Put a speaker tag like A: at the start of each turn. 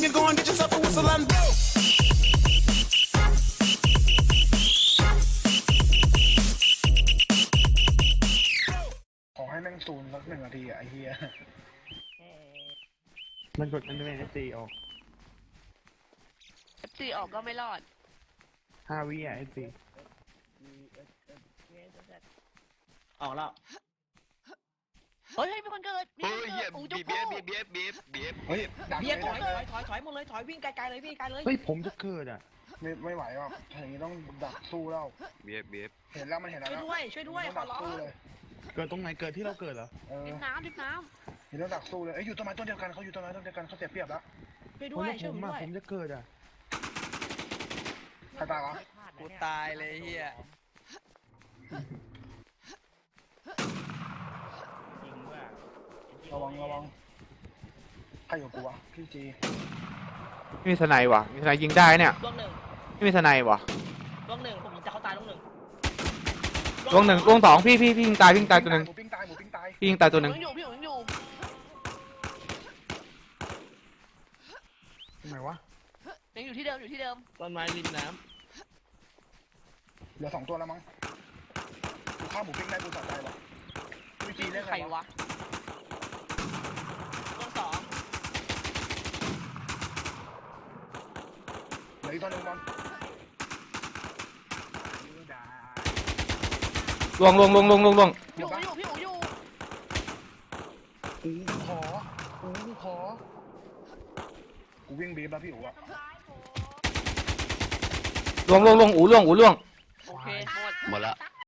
A: you go and get yourself a whistle and blow.
B: ขอให้แม่งซูนสัก1 นาทีไอ้เหี้ย
C: มันกดมันไม่ได้ตีออก
D: FC ออกก็ไม่รอด
C: 5 วิอ่ะไอ้ตี
E: ออกแล้ว
D: เฮ้ยมีคนเกิด
F: เฮ้ยเฮีย
D: อู
F: บี
D: จุ๊
F: เบียบ
B: เฮ้ยดัก
E: เบียร์ถ
B: เล
E: อย
B: ย
E: ถอยหมดเลยถอยวิ่งไกลๆเลยพี่ไกลเลย
C: เฮ้ยผมจะเกิดอ่ะ
B: ไม่ไหวว่ะถ้าอย่างนี้ต้องดักสู้แล้ว
F: เบียบ
B: เห็นแล้วมันเห็นแล้ว
E: ช่วยด้วย
B: ต้อง
E: ขอ
B: ดัก
E: ร้อง
B: สู้เลย
C: เกิดตรงไหนเกิดที่เราเกิดเหรอ
D: ดิบน้ำ
B: เห็นแล้วดักสู้เลยเอ้ยอยู่ต้นไม้ต้นเดียวกันเขาอยู่ต้นไม้ต้นเดียวกันเขาเสียเปรียบแล้ว
E: ช่วย
C: ผ
E: ด้
C: ม
E: วย
C: ว่า
E: ช่วยผมด้วย
C: ผมจะเกิดอ่ะ
B: ใครตายเหรอ
G: กูตายเลยเฮีย
B: ระวังใครอยู่กูวะพี่จี
H: ไม่มีสไนด์ว่ะมีสไนด์ยิงได้เนี่ย
E: ล่วงหนึ่ง
H: ไม่มีสไนด์ว่ะ
E: ล่วงหนึ่งผมยิงจะเขาตายล่วงหนึ่ง
H: ล่วงหนึ่งล่วงสองพี่ยิงตายตัวหนึ่ง
B: หมูปิ้งตาย
H: พี่ยิงตายตัวหนึ่ง
D: ยังอยู่พี่ยังอยู่
B: ทำไมวะ
D: ยังอยู่ที่เดิม
G: ต้นไม้ริมน้
B: เหลือ2 ตัวแล้วมั้งกูฆ่าหมูปิ้งได้กูสะใจวะพี่จีเล่น
D: ใค
B: ไง
D: ร
B: วะ
D: วะล่วงสอง
B: เหลืออีกตัวหนึงบอล
H: ล่วง
B: เดี๋
D: อ
B: ยว
D: ยู่
B: ปะ
D: พี่อยู่
B: กูขอกูวิ่งบีบแล้วพี่อู๋อะ
H: ล่วงอูล่วง
D: โอเคหมด
F: หมดละ
D: ตัก